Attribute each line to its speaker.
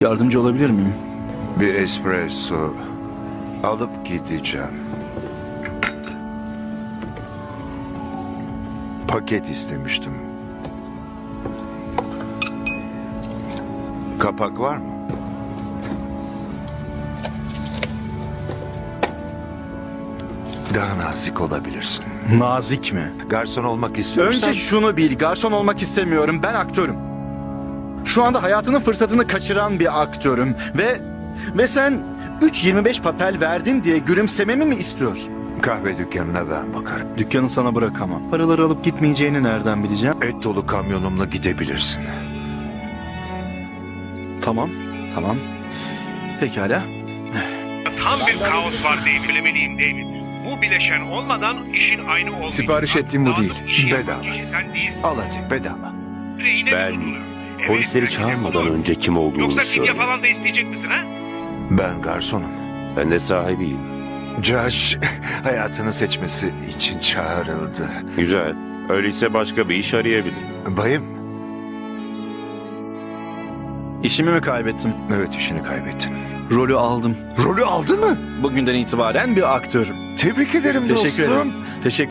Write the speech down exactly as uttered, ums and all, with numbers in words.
Speaker 1: Yardımcı olabilir miyim?
Speaker 2: Bir espresso alıp gideceğim. Paket istemiştim. Kapak var mı? Daha nazik olabilirsin.
Speaker 1: Nazik mi?
Speaker 2: Garson olmak istiyorsan...
Speaker 1: Önce şunu bil, garson olmak istemiyorum. Ben aktörüm. Şu anda hayatının fırsatını kaçıran bir aktörüm. Ve ve sen üç yirmi beş papel verdin diye gülümsememi mi istiyorsun?
Speaker 2: Kahve dükkanına ben bakarım.
Speaker 1: Dükkanı sana bırakamam. Paraları alıp gitmeyeceğini nereden bileceğim?
Speaker 2: Et dolu kamyonumla gidebilirsin.
Speaker 1: Tamam, tamam. Pekala.
Speaker 3: Tam bir kaos var David. Söylemeliyim David. Bu bileşen olmadan işin aynı olmayacak.
Speaker 4: Sipariş ettiğim bu
Speaker 3: Dağıtıp
Speaker 4: değil.
Speaker 3: işi yapan
Speaker 2: Bedava.
Speaker 3: kişi sen değilsin.
Speaker 2: Al hadi bedava.
Speaker 3: Rehine
Speaker 5: Ben
Speaker 3: tutuluyor. Evet,
Speaker 5: polisleri
Speaker 3: rehine
Speaker 5: çağırmadan
Speaker 3: tutuluyor.
Speaker 5: önce kim olduğunu
Speaker 3: Yoksa fidye
Speaker 5: söyle.
Speaker 3: falan da isteyecek misin ha?
Speaker 2: Ben garsonum.
Speaker 5: Ben de sahibiyim.
Speaker 2: Josh hayatını seçmesi için çağrıldı.
Speaker 5: Güzel. Öyleyse başka bir iş arayabilir.
Speaker 2: Bayım,
Speaker 1: İşimi mi kaybettim?
Speaker 2: evet işini kaybettin.
Speaker 1: Rolü aldım.
Speaker 2: Rolü aldın mı?
Speaker 1: Bugünden itibaren bir aktörüm.
Speaker 2: Tebrik ederim
Speaker 1: Teşekkür
Speaker 2: dostum.
Speaker 1: ederim. Teşekkür